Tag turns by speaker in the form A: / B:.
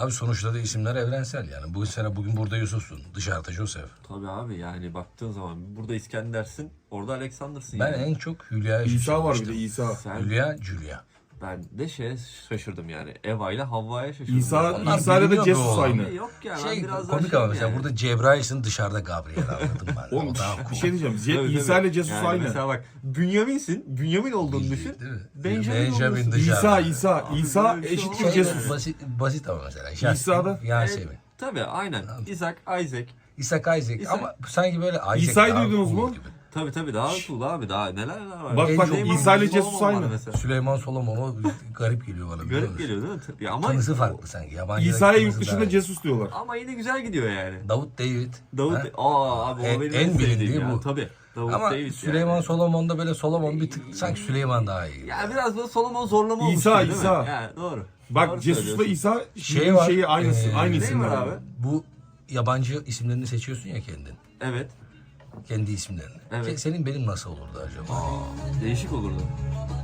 A: Abi sonuçta da isimler evrensel yani. Bu sene bugün burada Yusuf'sun. Dışarıda Joseph.
B: Tabii abi yani baktığın zaman burada İskender'sin, orada Alexander'sın
A: Ben
B: yani.
A: en çok Hülya'ya
C: İsa var bir de
A: şaşırmıştım.
C: İsa.
B: Sen,
A: Hülya, Julia.
B: ben de şaşırdım yani. Eva ile Havva'ya şaşırdım.
C: İsa,
A: Onlar
C: İsa ile de
A: biliniyor
C: Jesus
A: bu
C: aynı.
B: Yok ya ben
A: Şey
B: biraz daha
A: komik ama mesela
B: yani.
A: burada Cebrail'sin, dışarıda Gabriel anladım ben.
C: Oğlum
A: O daha
C: bir
A: cool.
C: şey diyeceğim.
B: Tabii,
C: İsa
B: tabii.
C: ile Jesus
B: Yani
C: aynı.
B: Mesela bak Bünyamin'sin. Bünyamin olduğunu düşün.
A: Değil mi?
B: Benjamin
A: Benjamin
B: olursun.
A: dışarıda.
C: İsa
B: böyle bir şey
C: eşittir
B: olmaz
C: Jesus.
A: Basit ama mesela.
C: İsa'da-
A: Yasemin.
B: Tabii aynen. İshak, Isaac.
A: İshak Isaac ama sanki böyle Isaac
C: İsa'yı
A: daha
C: duydunuz
A: cool
C: mu?
A: gibi.
B: Tabii daha cool abi. Daha neler var.
C: Bak, bak,
B: Süleyman
C: İsa ile
B: Solomon
C: Jesus
B: var
C: aynı.
B: mesela.
A: Süleyman Solomon o garip geliyor bana. biliyor
B: Garip
A: musun?
B: geliyor değil mi? Ya ama
A: Tınısı farklı sanki. Yabancı
C: İsa'ya
A: tınısı
C: yurt dışında
A: daha iyi.
C: Jesus diyorlar.
B: ama yine güzel gidiyor yani.
A: Davut David.
B: Davut
A: Ha?
B: abi o benim
A: En
B: sevdiğim
A: bilindiği
B: ya.
A: bu.
B: Tabii. Davut
A: Ama
B: David
A: Süleyman
B: yani.
A: Solomon'da böyle Solomon bir tık sanki Süleyman daha iyi.
B: Ya biraz böyle Solomon zorlama olmuş
C: İsa,
B: gibi, değil
C: İsa.
B: mi? Yani doğru.
C: Bak
B: Doğru
C: Jesus'la
B: söylüyorsun.
C: İsa
A: Şey var,
C: şeyi aynısı. Aynı
B: ne
C: isimler.
B: var abi?
A: Bu yabancı isimlerini seçiyorsun ya kendin.
B: Evet.
A: Kendi isimlerini.
B: Evet.
A: Senin benim nasıl olurdu acaba?
B: Değişik olurdu.